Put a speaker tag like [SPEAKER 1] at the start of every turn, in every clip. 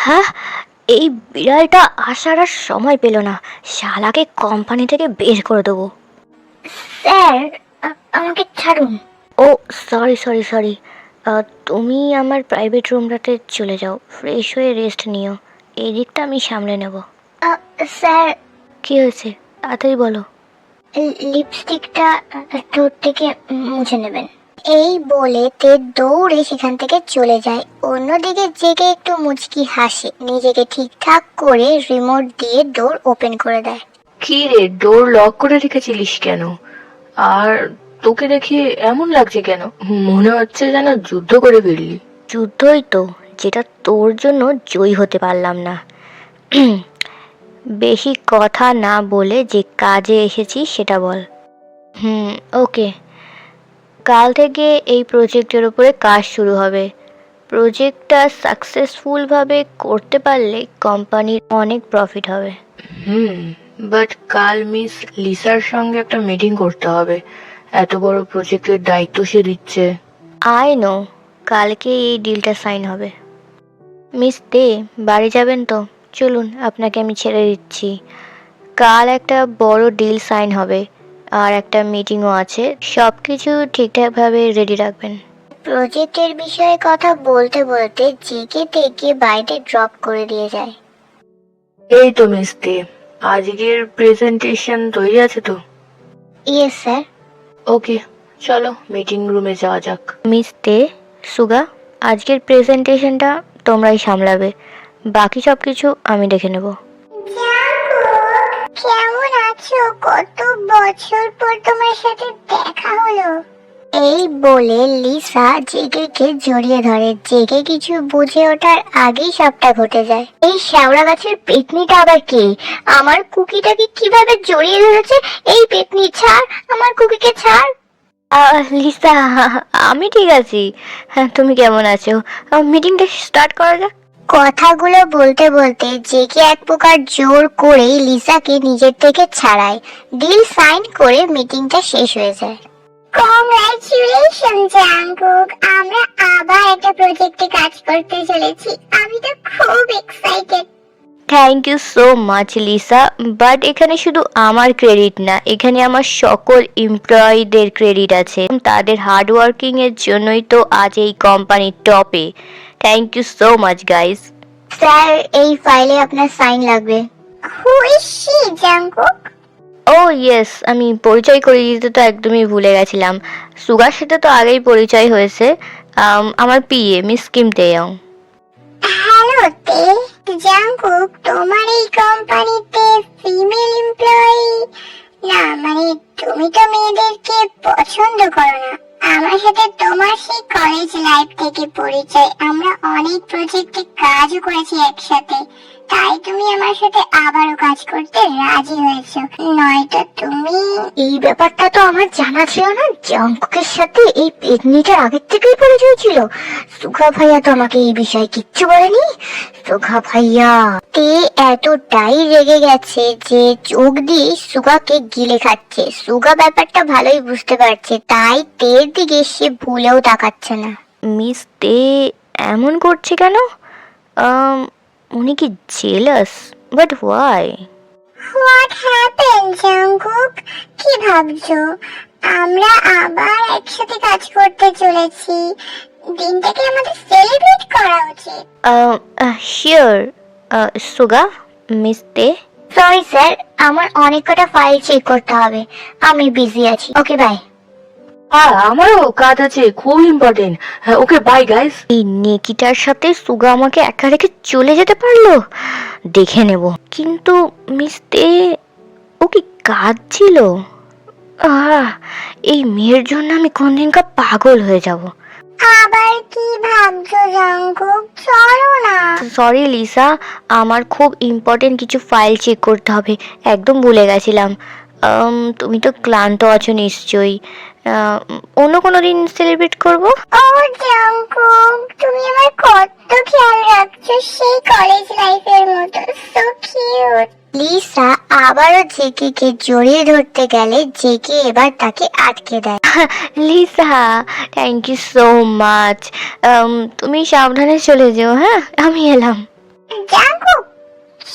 [SPEAKER 1] হ্যাঁ, এই বিড়ালটা আসার আর সময় পেল না। শালাকে কোম্পানি থেকে বের করে দেবো।
[SPEAKER 2] স্যার, আমাকে ছাড়ুন।
[SPEAKER 1] ও সরি সরি সরি, তুমি আমার প্রাইভেট রুমটাতে চলে যাও, ফ্রেশ হয়ে রেস্ট নিও। এই দিকটা আমি সামলে নেব।
[SPEAKER 2] স্যার,
[SPEAKER 1] কি হয়েছে তাড়াতাড়ি বলো।
[SPEAKER 2] লিপস্টিকটা ঠোঁট থেকে মুছে নেবেন। এই বলে তে দৌড়ে সেখান থেকে চলে যায়। অন্যদিকে জেগে একটু মুচকি হাসে, নিজেকে ঠিকঠাক করে রিমোট দিয়ে ডোর ওপেন করে দেয়।
[SPEAKER 3] কি রে, ডোর লক করে রেখেছিলিস কেন? আর তোকে দেখে এমন লাগছে কেন? মনে হচ্ছে যেন যুদ্ধ করে ফিরলি।
[SPEAKER 1] যুদ্ধই তো, যেটা তোর জন্য জয়ী হতে পারলাম না। বেশি কথা না বলে যে কাজে এসেছি সেটা বল। ওকে, কাল থেকে এই প্রজেক্টের উপরে কাজ শুরু হবে। প্রজেক্টটা সাকসেসফুলভাবে করতে পারলে কোম্পানির অনেক প্রফিট হবে।
[SPEAKER 3] বাট কাল মিস লিসার সঙ্গে একটা মিটিং করতে হবে। এত বড় প্রজেক্টের দায়িত্ব সে দিচ্ছে।
[SPEAKER 1] আই নো, কালকে এই ডিলটা সাইন হবে। মিস দে, বাড়ি যাবেন তো? চলুন, আপনাকে আমি ছেড়ে দিচ্ছি। কাল একটা বড় ডিল সাইন হবে, আর একটা মিটিংও আছে। সব কিছু ঠিকঠাকভাবে রেডি রাখবেন।
[SPEAKER 2] প্রজেক্টের বিষয়ে কথা বলতে বলতে জেগে থেকে বাইরে ড্রপ করে দিয়ে যায়।
[SPEAKER 3] এই তো মিস্তে, আজকের প্রেজেন্টেশন তৈরি আছে তো?
[SPEAKER 2] Yes sir.
[SPEAKER 3] ওকে, চলো মিটিং রুমে যাওয়া যাক।
[SPEAKER 1] মিস দে, সুগা, আজকের প্রেজেন্টেশনটা তোমরাই সামলাবে, বাকি সব কিছু আমি দেখে নেব।
[SPEAKER 2] কেমন আছো? কত বছর পর তোমার সাথে দেখা হলো। এই বলে লিসা জেগেকে জড়িয়ে ধরে। জেগে কিছু বুঝে ওঠার আগেই সবটা ঘটে যায়। এই শ্যাওড়া গাছের পেতনিটা আবার কে? আমার কুকিটাকে কিভাবে জড়িয়ে ধরেছে? এই পেতনি, ছাড় আমার কুকিকে, ছাড়।
[SPEAKER 1] লিসা, আমি ঠিক আছি। হ্যাঁ, তুমি কেমন আছো? মিটিংটা স্টার্ট করা যাক।
[SPEAKER 2] কথাগুলো বলতে বলতে জেগে এক প্রকার জোর করেই লিসাকে নিজের থেকে ছাড়ায়। ডিল সাইন করে মিটিংটা শেষ হয়ে যায়। কংগ্রাচুলেশন জাঙ্কুক, আমরা আবার একটা প্রজেক্টে কাজ করতে চলেছি। আমি তো খুব excited.
[SPEAKER 1] Thank you so much Lisa, but এখানে শুধু আমার ক্রেডিট না, এখানে আমার সকল এমপ্লয়ীদের ক্রেডিট আছে। তাদের হার্ডওয়ার্কিং এর জন্যই তো আজ এই কোম্পানির টপে। Thank you so much guys.
[SPEAKER 2] Sir, এই ফাইলে আপনার সাইন লাগবে। Who is she Jungkook?
[SPEAKER 1] ও ইয়েস, আমি পরিচয় করিয়ে দিতে তো একদমই ভুলে গেছিলাম। সুগার সাথে তো আগেই পরিচয় হয়েছে। আমার PA miss Kim Taeyong.
[SPEAKER 2] Hello Tae. Jungkook, তোমার এই কোম্পানিতে ফিমেল এমপ্লয়ি না, মানে তুমি তো মেয়েদেরকে পছন্দ করো না। আমার সাথে তোমার সেই কলেজ লাইফ থেকে পরিচয়, আমরা অনেক প্রজেক্টে কাজও করেছি একসাথে, তাই তুমি আমার সাথে আবারও কাজ করতে রাজি হয়েছো। নয়তো তুমি... এই ব্যাপারটা তো আমার জানা ছিল না। জাঙ্কুকের সাথে এই পেতনিটার আগের থেকেই পরিচয় ছিল। সুগা ভাইয়া তো আমাকে এই বিষয়ে কিচ্ছু বলেনি। সুগা ভাইয়া তে এতটাই রেগে গেছে যে চোখ দিয়ে সুগাকে গিলে খাচ্ছে। সুগা ব্যাপারটা ভালোই বুঝতে পারছে, তাই তের দিকে সে ভুলেও তাকাচ্ছে না।
[SPEAKER 1] মিস তে এমন করছে কেন? উনি কি jealous? But why?
[SPEAKER 2] What happen Jungkook? কি ভাবছো? আমরা আবার একসাথে কাজ করতে চলেছি, দিনটাকে আমাদের সেলিব্রেট করা উচিত।
[SPEAKER 1] শিওর সুগা। মিস তে,
[SPEAKER 2] সরি স্যার, আমার অনেক কটা ফাইল চেক করতে হবে, আমি বিজি আছি। Okay bye.
[SPEAKER 3] আমারও কাজ আছে, খুব ইম্পর্টেন্ট। Okay bye guys.
[SPEAKER 1] এই নেকিটার সাথে সুগা আমাকে একা রেখে চলে যেতে পারলো? দেখে নেব। কিন্তু মিস তে, ও কি কাজ ছিল? এই মেয়ের জন্য আমি কোনদিনকার পাগল হয়ে যাব।
[SPEAKER 2] আবার কি ভাবছো জাঙ্কুক? চলো না।
[SPEAKER 1] সরি লিসা, আমার খুব ইম্পর্টেন্ট কিছু ফাইল চেক করতে হবে, একদম ভুলে গেছিলাম। তুমি তো ক্লান্ত আছো নিশ্চয়ই। অন্য কোনো দিন সেলিব্রেট করবো।
[SPEAKER 2] ও জাঙ্কুক, তুমি আমার কত খেয়াল রাখছো, সেই কলেজ লাইফের মতো। So cute. লিসা আবারও জেকিকে জড়িয়ে ধরতে গেলে জেকি এবার তাকে আটকে দেয়।
[SPEAKER 1] Lisa, thank you so much. তুমি সাবধানে চলে যেও। হ্যাঁ, আমি এলাম।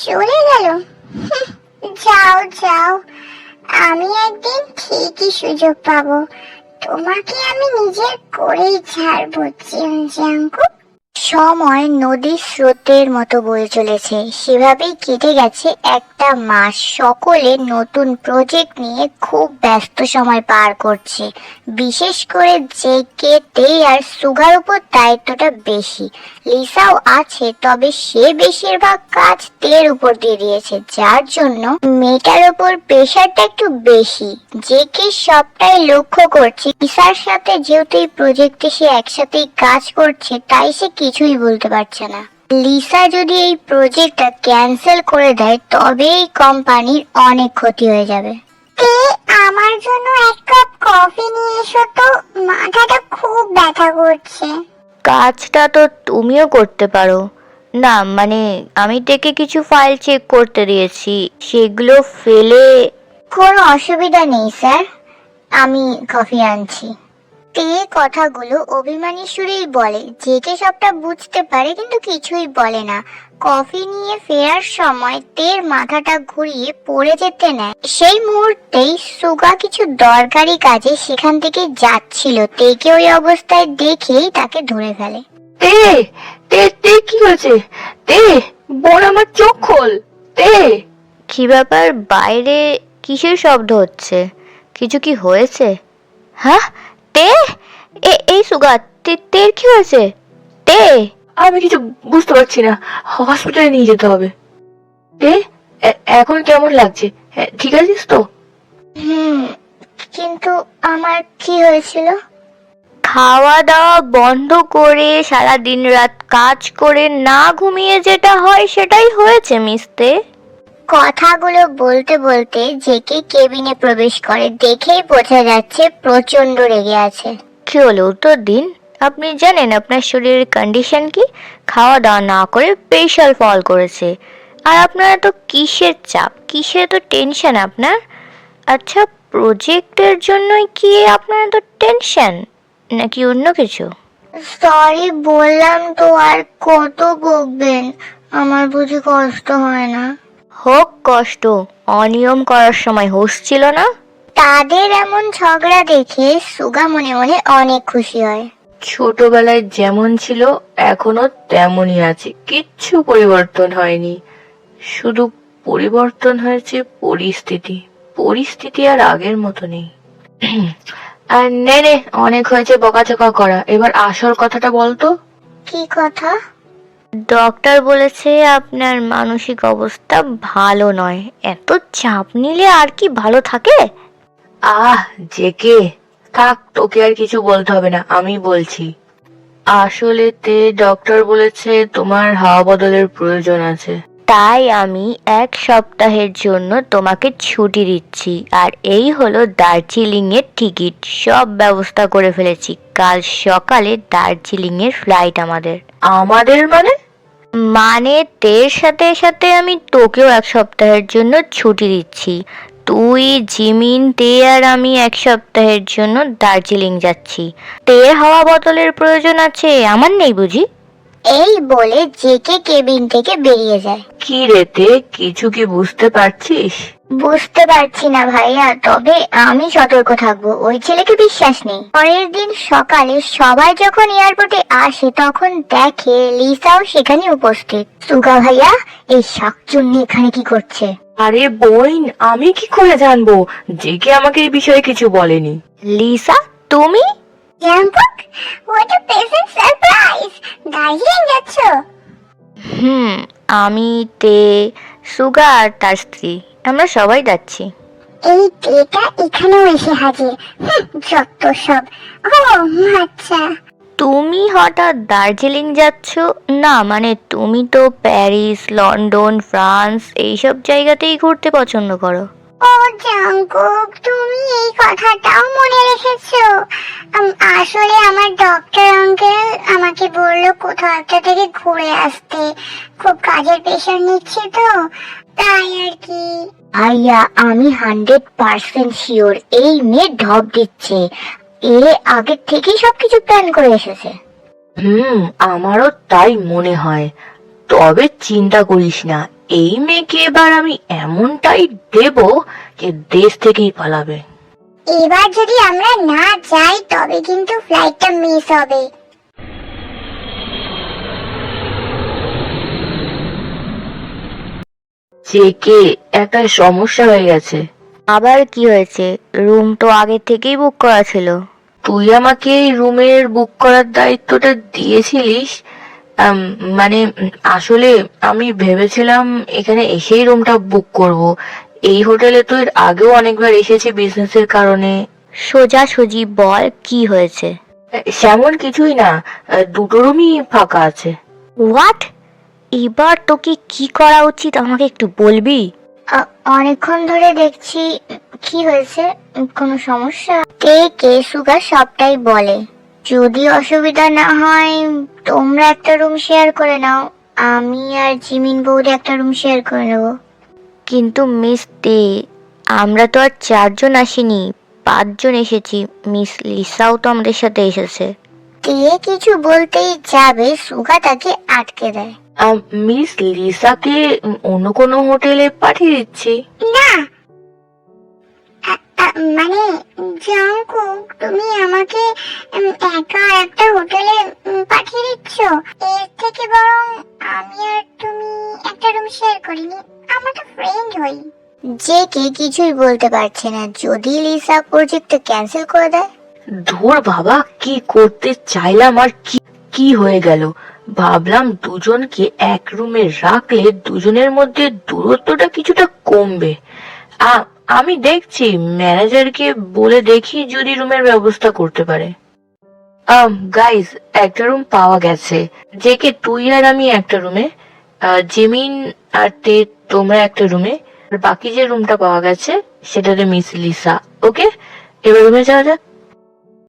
[SPEAKER 2] চলে গেল। যাও যাও, আমি একদিন ঠিকই সুযোগ পাবো, তোমাকে আমি নিজের করেই ছাড়বো জাঙ্কুক। সময় নদীর স্রোতের মতো বয়ে চলেছে, সেভাবেই কেটে গেছে একটা মাস। সকলে নতুন প্রজেক্ট নিয়ে খুব ব্যস্ত সময় পার করছে। বিশেষ করে জেকে, তে আর সুগার উপর দায়িত্বটা বেশি। লিসাও আছে, তবে সে বেশিরভাগ কাজ তের উপর দিয়ে দিয়েছে, যার জন্য মেয়েটার উপর প্রেশারটা একটু বেশি। জেকে সবটাই লক্ষ্য করছে। লিসার সাথে যেহেতু এই প্রজেক্টে সে একসাথেই কাজ করছে, তাই সে কিছুই বলতে পারছে না। লিসা যদি এই প্রজেক্টটা ক্যান্সেল করে দেয়, তবে এই কোম্পানির অনেক ক্ষতি হয়ে যাবে। আমার জন্য এক কাপ কফি নিয়ে এসো তো, মাথাটা খুব ব্যথা করছে।
[SPEAKER 1] কাজটা তো তুমিও করতে পারো না, মানে আমি থেকে কিছু ফাইল চেক করতে দিয়েছি, সেগুলো ফেলে।
[SPEAKER 2] কোনো অসুবিধা নেই স্যার, আমি কফি আনছি। তে কথাগুলো অভিমানী সুরেই বলে। জেকে সবটা বুঝতে পারে কিন্তু কিছুই বলে না। কফি নিয়ে ফেরার সময় তের মাথাটা ঘুরিয়ে পড়ে যেতে নেয়। সেই মুহূর্তেই সুগা কিছু দরকারি কাজে সেখান থেকে যাচ্ছিল। তেকে ওই অবস্থায় দেখেই তাকে ধরে ফেলে।
[SPEAKER 3] তে তে তে কি হয়েছে? তে বোন, আমার চোখ খোল। তে
[SPEAKER 1] কি ব্যাপার, বাইরে কিসের শব্দ হচ্ছে? কিছু কি হয়েছে? হ্যাঁ, তে এই সুগা, তের কি হয়েছে? তে
[SPEAKER 3] আমি কিছু বুঝতে পারছি না, হসপিটালে নিয়ে যেতে হবে। তে এখন কেমন লাগছে? ঠিক আছিস তো?
[SPEAKER 2] কিন্তু আমার কি হয়েছিল?
[SPEAKER 1] খাওয়া দাওয়া বন্ধ করে সারা দিন রাত কাজ করে না ঘুমিয়ে যেটা হয় সেটাই হয়েছে মিস্তে।
[SPEAKER 2] কথাগুলো বলতে বলতে জেকে কেবিনে প্রবেশ করে। দেখেই বোঝা যাচ্ছে প্রচন্ড রেগে আছে।
[SPEAKER 1] কি হলো উত্তর দিন। আপনি জানেন আপনার শরীরের কন্ডিশন কি? খাওয়া দাওয়া না করে প্রেশার ফল করেছে। আর আপনার তো কিসের চাপ, কিসের তো টেনশন আপনার? আচ্ছা, প্রজেক্টের জন্যই কি আপনার তো টেনশন, নাকি অন্য কিছু?
[SPEAKER 2] সরি বললাম তো, আর কত বকবেন? আমার বুঝি কষ্ট হয় না?
[SPEAKER 1] হোক কষ্ট, অনিয়ম করার সময় হুঁশ ছিল না?
[SPEAKER 2] তাদের এমন ঝগড়া দেখে সুগা মনে মনে অনেক খুশি হয়।
[SPEAKER 3] ছোটবেলায় যেমন ছিল এখনো তেমনই আছে, কিচ্ছু পরিবর্তন হয়নি। শুধু পরিবর্তন হয়েছে পরিস্থিতি। পরিস্থিতি আর আগের মতো নেই। আর নে নে, অনেক হয়েছে বকাঝকা করা, এবার আসল কথাটা বলতো।
[SPEAKER 2] কি কথা?
[SPEAKER 1] ডক্টর বলেছে আপনার মানসিক অবস্থা ভালো নয়। এত চাপ নিলে আর কি ভালো থাকে?
[SPEAKER 3] জেকে থাক, তোকে আর কিছু বলতে হবে না, আমি বলছি। আসলে তে ডক্টর বলেছে তোমার হাওয়া বদলের প্রয়োজন আছে।
[SPEAKER 1] তাই আমি 1 সপ্তাহের জন্য তোমাকে ছুটি দিচ্ছি। আর এই হলো দার্জিলিং এর টিকিট, সব ব্যবস্থা করে ফেলেছি। কাল সকালে দার্জিলিং এর ফ্লাইট আমাদের।
[SPEAKER 3] আমাদের মানে?
[SPEAKER 1] মানে তের সাথে সাথে আমি তোকেও 1 সপ্তাহের জন্য ছুটি দিচ্ছি। তুই, জিমিন, তে আর আমি 1 সপ্তাহের জন্য দার্জিলিং যাচ্ছি। তের হাওয়া বদলের প্রয়োজন আছে, আমার নেই বুঝি?
[SPEAKER 2] এই বলে জেকে কেবিন থেকে বেরিয়ে যায়।
[SPEAKER 3] কি রে তে, কিছু কি বুঝতে পারছিস?
[SPEAKER 2] বুঝতে পারছি না ভাইয়া, তবে আমি সতর্ক থাকবো। ওই ছেলেকে বিশ্বাস নেই। পরের দিন সকালে সবাই যখন এয়ারপোর্টে আসে, তখন দেখে লিসাও সেখানে উপস্থিত। সুগা ভাইয়া, এই শাকচুন্নি এখানে কি করছে?
[SPEAKER 3] আরে বোন, আমি কি করে জানবো? জেকে আমাকে এই বিষয়ে কিছু বলেনি।
[SPEAKER 1] লিসা, তুমি?
[SPEAKER 2] Jungkook, what a pleasant surprise! Darjeeling যাচ্ছ?
[SPEAKER 1] আমি, তে, সুগা আর তার স্ত্রী, আমরা সবাই যাচ্ছি।
[SPEAKER 2] এই ডেটা এখানেও এসে হাজির। যত সব। ও আচ্ছা।
[SPEAKER 1] তুমি হঠাৎ দার্জিলিং যাচ্ছ? না মানে তুমি তো প্যারিস, লন্ডন, ফ্রান্স এইসব জায়গাতেই ঘুরতে পছন্দ করো।
[SPEAKER 2] ও জাঙ্কুক, তুমি এই কথাটাও মনে রেখেছো? আসলে আমার ডক্টর আঙ্কেল আমাকে বললো কোথাও একটা থেকে ঘুরে আসতে। খুব কাজের প্রেশার নিচ্ছে তো, তাই আর কি। আইয়া, আমি 100% শিওর এই মেয়ে ঢপ দিচ্ছে। এ আগে থেকেই সবকিছু প্ল্যান করে এসেছে।
[SPEAKER 3] আমারও তাই মনে হয়। তবে চিন্তা করিস না, এই মেয়েকে এবার আমি এমনটাই দেব যে দেশ থেকেই পালাবে।
[SPEAKER 2] এবার যদি আমরা না যাই তবে কিন্তু ফ্লাইটটা মিস হবে।
[SPEAKER 3] যে কে একটা সমস্যা হয়ে গেছে।
[SPEAKER 1] আবার কি হয়েছে? রুম তো আগে থেকেই বুক করা ছিল।
[SPEAKER 3] তুই আমাকে এই রুমের বুক করার দায়িত্বটা দিয়েছিলিস। মানে আসলে আমি ভেবেছিলাম এখানে এসেই রুমটা বুক করব। এই হোটেলে তো এর আগেও অনেকবার এসেছি বিজনেসের কারণে।
[SPEAKER 1] সোজাসুজি বল কি হয়েছে।
[SPEAKER 3] সেমন কিছুই না, দুটো রুমই ফাঁকা আছে।
[SPEAKER 1] হোয়াট? এবার তোকে কি করা উচিত আমাকে একটু বলবি?
[SPEAKER 2] অনেকক্ষণ ধরে দেখছি, কি হয়েছে? কোনো সমস্যা? কে সুগা সবটাই বলে। যদি অসুবিধা না হয় তোমরা একটা রুম শেয়ার করে নাও, আমি আর জিমিন বৌদি একটা রুম শেয়ার করে নেবো।
[SPEAKER 1] কিন্তু মিস দে, আমরা তো আর 4 জন আসিনি, 5 জন এসেছি। মিস লিসাও তো আমাদের সাথে এসেছে।
[SPEAKER 2] তে কিছু বলতেই যাবে, সুগা তাকে আটকে দেয়।
[SPEAKER 3] মিস লিসাকে অন্য কোনো হোটেলে পাঠিয়ে দিচ্ছি।
[SPEAKER 2] না, মানে জংকুক, তুমি আমাকে একা একটা হোটেলে পাঠিয়ে দিচ্ছ? এর থেকে বরং আমি আর তুমি একটা রুম শেয়ার করিনি, আমরা তো ফ্রেন্ড হই। যে কে কিছুই বলতে পারছে না, যদি লিসা প্রজেক্ট ক্যান্সেল করে দেয়।
[SPEAKER 3] ধুর বাবা, কি করতে চাইলাম আর কি হয়ে গেল। ভাবলাম দুজনকে এক রুমে রাখলে দুজনের মধ্যে দূরত্বটা কিছুটা কমবে। আমি দেখছি, ম্যানেজারকে বলে দেখি যদি রুমের ব্যবস্থা করতে পারে। গাইজ, একটা রুম পাওয়া গেছে। যে কে তুই আর আমি একটা রুমে, জিমিন আর তে তোমরা একটা রুমে, আর বাকি যে রুমটা পাওয়া গেছে সেটাতে মিস লিসা। ওকে, এবার রুমে যাওয়া যাক।